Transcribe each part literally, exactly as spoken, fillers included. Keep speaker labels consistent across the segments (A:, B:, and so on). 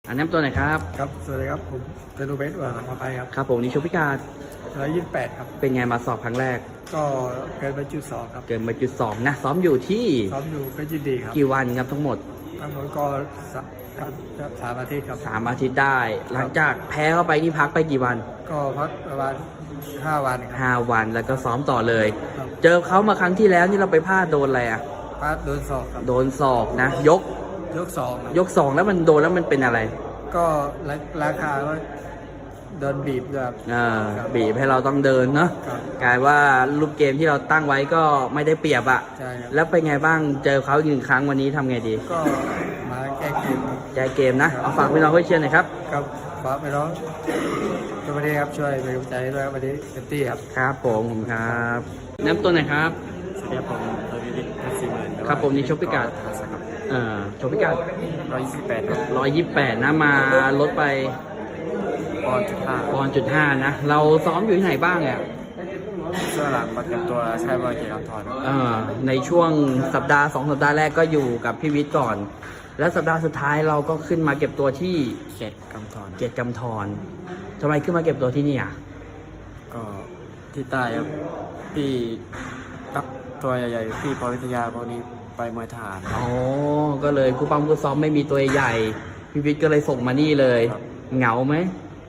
A: อันน้ำตัวไหนครับ
B: ครับ สวัสดีครับ ผมเตนูเบสว่ามาไปครับ
A: ครับผมนี่ชกพิการ
B: ร้อยยี่สิบแปดครับ
A: เป็นไงมาสอบครั้งแรก
B: ก็เกินไปจุดสองครับ
A: เกินมาจุดสองนะซ้อมอยู่ที่
B: ซ้อมอยู่เพชรยินดีครับ
A: กี่วันครับทั้งหมด
B: ทั้งหมดก็สามครับครับสามอาทิตย์ครับ
A: สามอาทิตย์ได้ หลังจากแพ้เข้าไปนี่พักไปกี่วัน
B: ก็พักประมาณห้าวันครับ
A: ห้าวันแล้วก็ซ้อมต่อเลย
B: ครับ
A: เจอเขามาครั้งที่แล้วนี่เราไปพลาดโดนอะไรอ่ะ
B: พาดโดนสอบครับ
A: โดนศอกนะ ยก
B: ยกสองครับ
A: ยกสองแล้วมันโดนแล้วมันเป็นอะไร
B: ก็ราราคาว่าโดนบีบด้วยครับ
A: อ่า
B: ครับ
A: บีบให้เราต้องเดินเนาะ
B: ครับ
A: กลายว่าลูกเกมที่เราตั้งไว้ก็ไม่ได้เปรียบอะ
B: ใช่ครับ
A: แล้วเป็นไงบ้างเจอเขาอีกหนึ่งครั้งวันนี้ทำไงดี
B: ก็มาแก้เกมครับ
A: ใจเกมนะเอาฝากพี่น้องเพื่อนเชียร์หน่อยครับ
B: ครับฝากไปน้องสวัสดีครับช่วยเป็นกำลังใจให้ด้วยครับวันนี้เต็มที่ครับ
A: ครับผมผมครับน้ำตัวไหนครับ
B: สวัสดีครับผมทวีวิทย์เพชรสี่หมื่น
A: ครับผมนี่ชกพิกัด เอ่อชกพิกัด
B: ร้อยยี่สิบแปดครับ
A: ร้อยยี่สิบแปดนะมาลดไป
B: ปอนด์จุดห้า
A: ปอนจุดห้านะ เราซ้อมอยู่ที่ไหนบ้างอ่ะ
B: ช่วงหลังมาเก็บตัวใช้บอลเกียร์ทอน
A: เอ่อในช่วงสัปดาห์สองสัปดาห์แรกก็อยู่กับพี่วิทย์ก่อน แล้วสัปดาห์สุดท้ายเราก็ขึ้นมาเก็บตัวที่
B: เจ็ดกำทอน
A: เกียรติกำธรทำไมขึ้นมาเก็บตัวที่นี่อ่ะ
B: ก็ที่ใต้ครับพี่ตักตัวใหญ่ๆพี่ปวิทยาพวกนี้ไปมวยทหาร
A: อ๋อ ก็เลยครูปั้มครูซ้อมไม่มีตัวใหญ่ พี่วิทย์ก็เลยส่งมานี่เลย
B: ครับ
A: เหงาไหม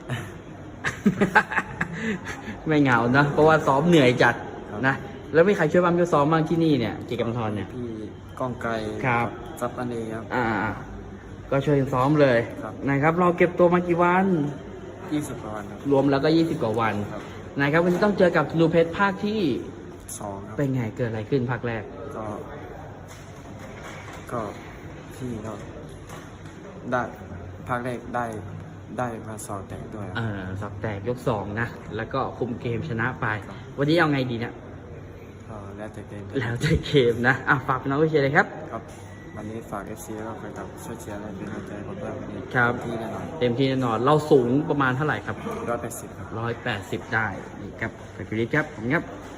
A: ไม่เหงานะ เพราะว่าซ้อมเหนื่อยจัดนะ แล้วมีใครช่วยปั้มช่วยซ้อมบ้างที่นี่เนี่ยเกียรติกำธรเนี่ย
B: พี่ก้องไกล
A: ครับ
B: ซับอันนี้ครับ
A: อ่า ก็ช่วยซ้อมเลย
B: ครับ
A: นะครับ เราเก็บตัวมากี่วัน
B: ยี่สิบกว่าวันครับ
A: รวมแล้วก็ยี่สิบกว่าวัน
B: ครับ
A: นะครับวันนี้ต้องเจอกับธนูเพชรภาคที่
B: สองครับ
A: เป็นไงเกิดอะไรขึ้นภาคแรก
B: ก็ ก็พี่ก็ได้ภาคแรกได้ได้มาสอบแตกด้วยครับ
A: เออสับแตกยกสองนะ แล้วก็คุมเกมชนะไป วันนี้เอาไงดีเนะ
B: ก็แล้วแต่เกม
A: แล้วแต่เกมนะ อ่ะฝากพี่น้องผู้เชียร์เลยครับ
B: ครับวันนี้ฝาก เอฟ ซี แล้วก็แฟนคลับช่วยเชียร์และเป็นกำลังใจให้ผมด้วยวันนี้
A: ครับ
B: ที่แน่นอน
A: เต็มที่แน่นอน เราสูงประมาณเท่าไหร่ครับ
B: ร้อยแปดสิบครับ
A: ร้อยแปดสิบได้ นี่ครับไปพิริศครับผมครับ